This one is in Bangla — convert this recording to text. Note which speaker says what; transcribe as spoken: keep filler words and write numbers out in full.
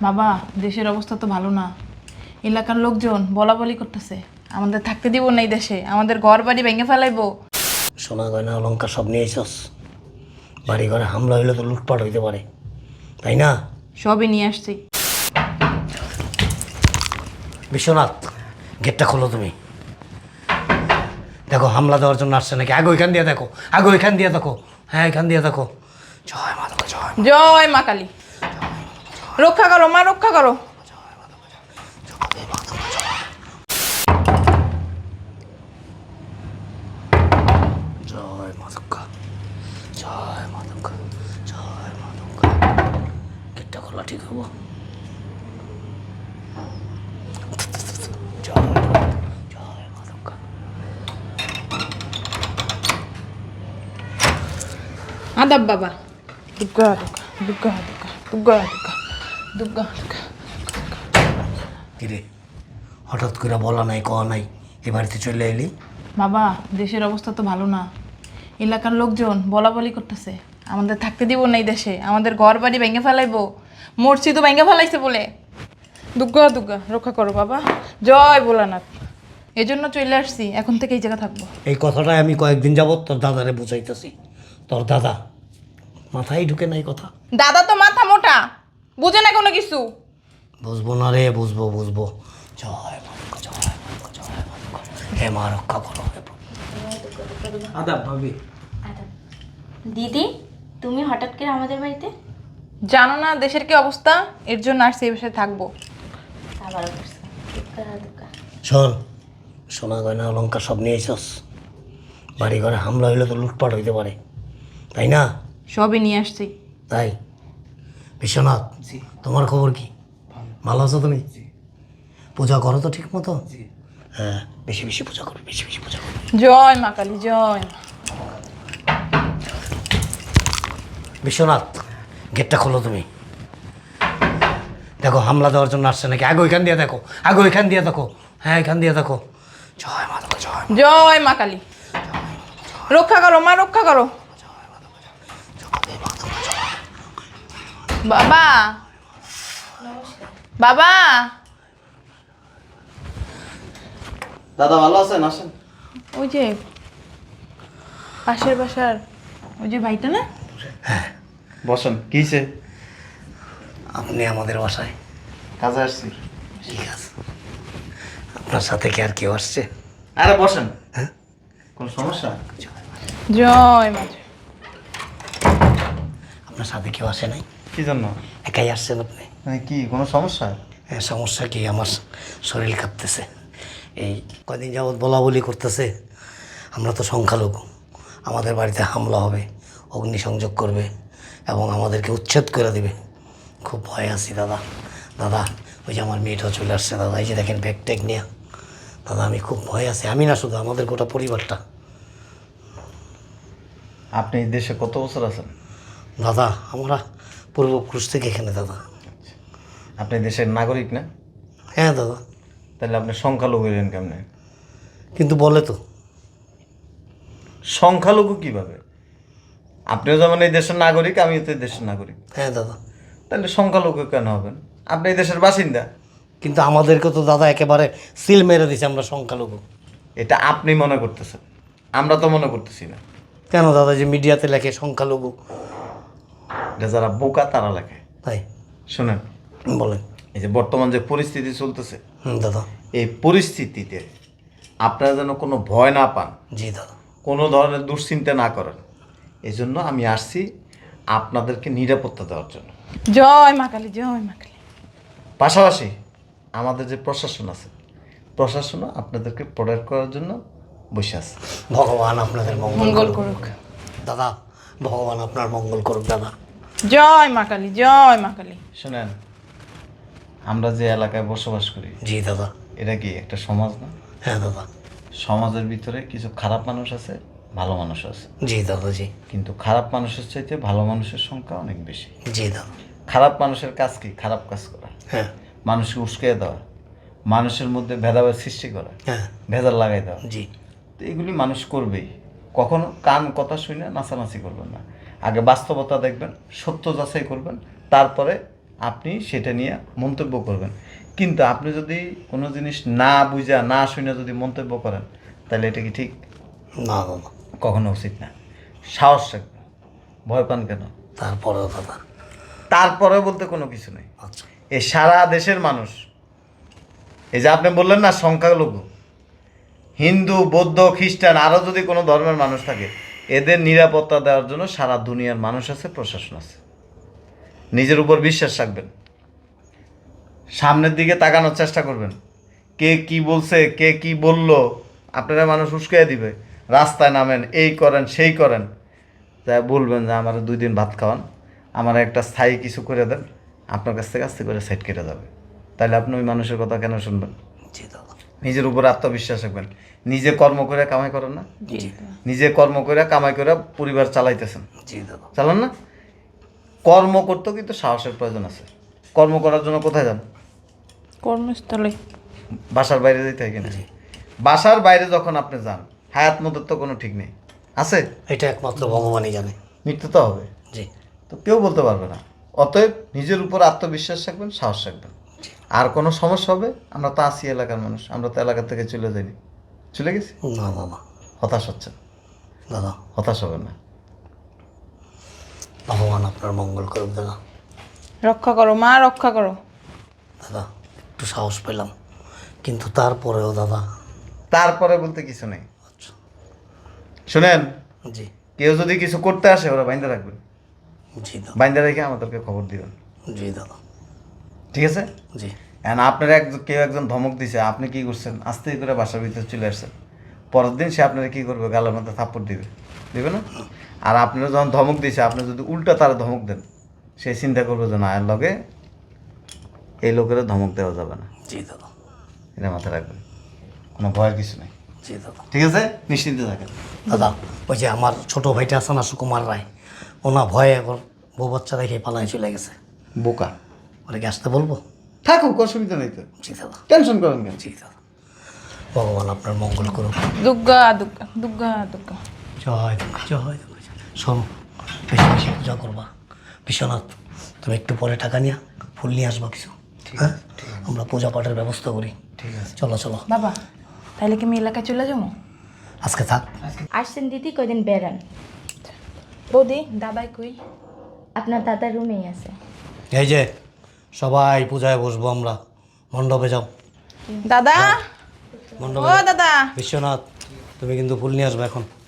Speaker 1: বাবা, দেশের অবস্থা তো ভালো না। এলাকার লোকজন বলা বলি করতেছে আমাদের থাকতে দিব না এই দেশে, আমাদের ঘর বাড়ি ভেঙে ফেলাইবো।
Speaker 2: সোনা গয়না অলঙ্কার সব নিয়ে এসস। বাড়ি ঘরে হামলা হইলে তো লুটপাট হইতে পারে, তাই না?
Speaker 1: সবই নিয়ে আসছি।
Speaker 2: বিশ্বনাথ, গেটটা খোলো তুমি। দেখো হামলা দেওয়ার জন্য আসছে নাকি। আগে ওইখান দিয়ে দেখো, আগে ওইখান দিয়ে দেখো। হ্যাঁ, এখান দিয়ে দেখো। জয় মা দুর্গা, জয় মা।
Speaker 1: জয় মা কালী, রক্ষা করো মা, রক্ষা করো।
Speaker 2: জয় মা দুর্গা, জয় মা দুর্গা, জয় মা দুর্গা। গেটটা খোলা ঠিক হবো। জয় মা, জয় মা দুর্গা।
Speaker 1: আদাব বাবা। দুর্গা দুর্গা দুর্গা দুর্গা দুর্গা দুর্গা দুর্গা।
Speaker 2: কিরে, হঠাৎ করে বলা নাই, কওয়া নাই, এ বাড়িতে চলে এলি?
Speaker 1: বাবা, দেশের অবস্থা তো ভালো না। এলাকার লোকজন বলা বলি করতেছে আমাদের থাকতে দিব না এই দেশে, আমাদের ঘর বাড়ি ভেঙে ফেলাইবো, মসজিদও ভেঙে ফেলাইছে বলে। দুর্গা দুর্গা, রক্ষা করো বাবা। জয় ভোলানাথ। এজন্য চলে আসছি, এখন থেকে এই জায়গা থাকবো।
Speaker 2: এই কথাটাই আমি কয়েকদিন যাবত তোর দাদারে বুঝাইতেছি। তোর দাদা মাথায় ঢুকে নাই কথা।
Speaker 1: দাদা তো মাথা মোটা, বুঝে না কোনো কিছু।
Speaker 2: বুঝবো না রে, বুঝবো বুঝবো। জয় মা দুর্গা, জয় মা দুর্গা, জয় মা দুর্গা। হে মা, রক্ষা করো হে প্রভু।
Speaker 3: আদাব ভাবি।
Speaker 4: আদাব। দিদি, তুমি হঠাৎ করে আমাদের বাড়িতে?
Speaker 1: জানো না দেশের কি অবস্থা, এর জন্য আসছি এই বাসায় থাকবো।
Speaker 4: আবারও করছো। দুর্গা দুর্গা।
Speaker 2: শোন, সোনা গয়না অলঙ্কার সব নিয়ে এসস। বাড়ি ঘরে হামলা হইলে তো লুটপাট হইতে পারে, তাই না?
Speaker 1: সবই নিয়ে আসছি।
Speaker 2: তাই বিশ্বনাথ,
Speaker 3: জি।
Speaker 2: তোমার খবর কি? ভালো আছো তুমি?
Speaker 3: জি।
Speaker 2: পূজা করো তো ঠিক মতো?
Speaker 3: জি।
Speaker 2: হ্যাঁ, বেশি বেশি পূজা করো, বেশি বেশি পূজা করো।
Speaker 1: জয় মা কালী, জয় মা।
Speaker 2: বিশ্বনাথ, গেটটা খোলো তুমি। দেখো হামলা দেওয়ার জন্য আসছে নাকি। আগে ওইখান দিয়ে দেখো, আগে ওইখান দিয়ে দেখো। হ্যাঁ, এখান দিয়ে দেখো। জয় মা দুর্গা, জয় মা।
Speaker 1: জয় মা কালী, রক্ষা করো মা, রক্ষা করো। বাবা, বাবা।
Speaker 3: দাদা ভালো আছেন? আসেন।
Speaker 1: ওই যে পাশের বাসার ওই যে ভাইটা না?
Speaker 3: বসেন। কিছে?
Speaker 2: আপনি আমাদের বাসায়?
Speaker 3: কাজে আসছি।
Speaker 2: ঠিক আছে। আপনার সাথে কি আর কেউ আসছে?
Speaker 3: আরে বসেন।
Speaker 2: হ্যাঁ?
Speaker 3: কোন সমস্যা?
Speaker 1: জয় মা।
Speaker 2: আপনার সাথে কেউ আসে নাই?
Speaker 3: কি জন্য?
Speaker 2: একাই আসছেন আপনি?
Speaker 3: মানে কি কোনো সমস্যা?
Speaker 2: হ্যাঁ, সমস্যা কি? আমার শরীর কাঁপতেছে। এই কদিন যাবৎ বলা বলি করতেছে আমরা তো সংখ্যালঘু, আমাদের বাড়িতে হামলা হবে, অগ্নিসংযোগ করবে এবং আমাদেরকে উচ্ছেদ করে দেবে। খুব ভয় আছি দাদা। দাদা, ওই যে আমার মেয়েটাও চলে আসছে দাদা, এই যে দেখেন ব্যাগ ট্যাগ নিয়ে। দাদা, আমি খুব ভয় আছি। আমি না, শুধু আমাদের গোটা পরিবারটা।
Speaker 3: আপনি এই দেশে কত বছর আছেন?
Speaker 2: দাদা, আমরা পূর্বপুরুষ থেকে এখানে দাদা।
Speaker 3: আপনি দেশের নাগরিক না?
Speaker 2: হ্যাঁ দাদা।
Speaker 3: তাহলে আপনি সংখ্যালঘু হইলেন কেমনে?
Speaker 2: কিন্তু বলে তো।
Speaker 3: সংখ্যালঘু কিভাবে? আপনিও যেমন এই দেশের নাগরিক, আমিও তো এই দেশের নাগরিক।
Speaker 2: হ্যাঁ দাদা।
Speaker 3: তাহলে সংখ্যালঘু কেন হবেন? আপনি এই দেশের বাসিন্দা।
Speaker 2: কিন্তু আমাদেরকে তো দাদা একেবারে সিল মেরে দিছে আমরা সংখ্যালঘু।
Speaker 3: এটা আপনি মনে করতেছেন, আমরা তো মনে করতেছি না।
Speaker 2: কেন দাদা, যে মিডিয়াতে লেখে সংখ্যালঘু?
Speaker 3: এটা যারা বোকা তারা লেখে।
Speaker 2: তাই?
Speaker 3: শোনেন,
Speaker 2: বলেন।
Speaker 3: এই যে বর্তমান যে পরিস্থিতি চলতেছে,
Speaker 2: হুম দাদা।
Speaker 3: এই পরিস্থিতিতে আপনারা যেন কোনো ভয় না পান,
Speaker 2: জি দাদা।
Speaker 3: কোনো ধরনের দুশ্চিন্তা না করেন, এই জন্য আমি আসছি আপনাদেরকে নিরাপত্তা দেওয়ার জন্য।
Speaker 1: জয় মা কালী, জয় মা কালী।
Speaker 3: পাশাপাশি আমাদের যে প্রশাসন আছে, প্রশাসনও আপনাদেরকে প্রোটেক্ট করার জন্য বসে আছে।
Speaker 2: ভগবান আপনাদের মঙ্গল
Speaker 1: মঙ্গল
Speaker 2: করুক
Speaker 1: করুক।
Speaker 2: দাদা। ভগবান আপনার মঙ্গল করুক দাদা।
Speaker 1: জয় মা কালী, জয় মা কালী।
Speaker 3: শোনেন, আমরা যে এলাকায় বসবাস করি,
Speaker 2: জি দাদা।
Speaker 3: এটা কি একটা সমাজ না?
Speaker 2: হ্যাঁ দাদা।
Speaker 3: সমাজের ভিতরে কিছু খারাপ মানুষ আছে, ভালো মানুষ আছে,
Speaker 2: জি দাদা। জি।
Speaker 3: কিন্তু খারাপ মানুষের চাইতে ভালো মানুষের সংখ্যা অনেক বেশি।
Speaker 2: জি দাদা।
Speaker 3: খারাপ মানুষের কাজ কি? খারাপ কাজ করা,
Speaker 2: হ্যাঁ।
Speaker 3: মানুষকে উস্কে দেওয়া, মানুষের মধ্যে ভেদাভেদ সৃষ্টি করা,
Speaker 2: হ্যাঁ।
Speaker 3: ভেজাল লাগাই দেওয়া।
Speaker 2: জি।
Speaker 3: তো এগুলি মানুষ করবেই। কখনো কান কথা শুনে নাচানাচি করবেন না। আগে বাস্তবতা দেখবেন, সত্য যাচাই করবেন, তারপরে আপনি সেটা নিয়ে মন্তব্য করবেন। কিন্তু আপনি যদি কোনো জিনিস না বুঝা না শুনে যদি মন্তব্য করেন তাহলে এটা কি ঠিক?
Speaker 2: না দাদা,
Speaker 3: কখনো উচিত না। সাহস রাখবেন। ভয় পান কেন?
Speaker 2: তারপরেও দাদা।
Speaker 3: তারপরে বলতে কোনো কিছু নেই।
Speaker 2: আচ্ছা,
Speaker 3: এই সারা দেশের মানুষ, এই যে আপনি বললেন না সংখ্যালঘু, হিন্দু বৌদ্ধ খ্রিস্টান আরও যদি কোনো ধর্মের মানুষ থাকে, এদের নিরাপত্তা দেওয়ার জন্য সারা দুনিয়ার মানুষ আছে, প্রশাসন আছে। নিজের উপর বিশ্বাস রাখবেন, সামনের দিকে তাকানোর চেষ্টা করবেন। কে কি বলছে, কে কি বলল, আপনারা মানুষ উস্কাইয়া দিবে। রাস্তায় নামেন, এই করেন সেই করেন, তাই বলবেন যে আমার দুই দিন ভাত খাওয়ান, আমার একটা স্থায়ী কিছু করে দেন, আপনার কাছ থেকে আস্তে করে সাইড কেটে যাবে। তাহলে আপনি ওই মানুষের কথা কেন শুনবেন?
Speaker 2: জি দাদা।
Speaker 3: নিজের উপর আত্মবিশ্বাস রাখবেন। নিজে কর্ম করে কামাই করেন না?
Speaker 1: জি
Speaker 3: নিজে কর্ম করে কামাই করে পরিবার চালাইতেছেন,
Speaker 2: জি দাদা।
Speaker 3: চালান না? কর্ম করতেও কিন্তু সাহসের প্রয়োজন আছে। কর্ম করার জন্য কোথায় যান?
Speaker 1: কর্মস্থলে।
Speaker 3: বাসার বাইরে যেতে হয় কিনা? বাসার বাইরে যখন আপনি যান, হায়াত মতের তো কোনো ঠিক নেই, আছে?
Speaker 2: এটা একমাত্র ভগবানই জানে।
Speaker 3: মৃত্যু তো হবে,
Speaker 2: জি।
Speaker 3: তো কেউ বলতে পারবে না। অতএব নিজের উপর আত্মবিশ্বাস রাখবেন, সাহস রাখবেন। আর কোনো সমস্যা হবে, আমরা তো আছি এলাকার মানুষ, আমরা তো এলাকা থেকে চলে যাইনি, চলে গেছি।
Speaker 2: না দাদা।
Speaker 3: হতাশ হচ্ছেন,
Speaker 2: দাদা,
Speaker 3: হতাশ হবেন না।
Speaker 2: ভগবান আপনার মঙ্গল করুক দাদা।
Speaker 1: রক্ষা করো মা, রক্ষা করো।
Speaker 2: দাদা, একটু সাহস পেলাম, কিন্তু তারপরেও দাদা।
Speaker 3: তারপরে বলতে কিছু নেই।
Speaker 2: আচ্ছা।
Speaker 3: শুনেন,
Speaker 2: জি।
Speaker 3: কেউ যদি কিছু করতে আসে ওরা বাইন্দা রাখবেন,
Speaker 2: জি দাদা।
Speaker 3: বাইন্দা রেখে আমাদেরকে খবর দিবেন,
Speaker 2: জি দাদা।
Speaker 3: ঠিক আছে?
Speaker 2: জি।
Speaker 3: এখন আপনার এক কেউ একজন ধমক দিছে, আপনি কি করছেন? আস্তে করে বাসার ভিতরে চলে আসছেন। পরের দিন সে আপনারা কি করবে? গালের মধ্যে থাপ্পড় দিবে, দিবে না? আর আপনারা যখন ধমক দিছে, আপনি যদি উল্টা তার ধমক দেন, সে চিন্তা করবে যে না, এর লগে এই লোকেরা ধমক দেওয়া যাবে না।
Speaker 2: জি দাদা।
Speaker 3: এটা মাথায় রাখবেন, কোনো ভয়ের কিছু নেই,
Speaker 2: জি দাদা।
Speaker 3: ঠিক আছে? নিশ্চিন্তে থাকেন।
Speaker 2: দাদা, ওই যে আমার ছোট ভাইটা আছে না, সুকুমার রায়, ওনা ভয়ে এখন বউ বাচ্চা রেখে পালায় চলে গেছে।
Speaker 3: বোকা
Speaker 2: ওরা কি আসতে বলবো?
Speaker 3: থাকুক, অসুবিধা নেই তো,
Speaker 2: জি দাদা।
Speaker 3: টেনশন করেন কেন?
Speaker 2: জি দাদা। ভগবান আপনার মঙ্গল করুক।
Speaker 1: দুর্গা দুর্গা দুর্গা দুর্গা।
Speaker 2: জয় দুর্গা, জয় দুর্গা। শোনো, বেশি বেশি পূজা করবা। বিশ্বনাথ, তুমি একটু পরে টাকা নিয়ে ফুল নিয়ে আসবা কিছু, হ্যাঁ? আমরা পূজা পাঠের ব্যবস্থা করি।
Speaker 3: ঠিক আছে।
Speaker 2: চলো চলো।
Speaker 1: বাবা, তাইলে কি আমি এলাকায় চলে যাবো?
Speaker 2: আজকে থাক।
Speaker 4: আসছেন দিদি, কয়দিন বেড়ান।
Speaker 1: বৌদি, দাদাই কই?
Speaker 4: আপনার দাদার রুমেই আছে।
Speaker 2: এই যে সবাই পূজায় বসবো আমরা, মণ্ডপে যাও।
Speaker 1: দাদা, ও
Speaker 2: মণ্ডপে যাও।
Speaker 1: দাদা।
Speaker 2: বিশ্বনাথ, তুমি কিন্তু ফুল নিয়ে আসবে এখন।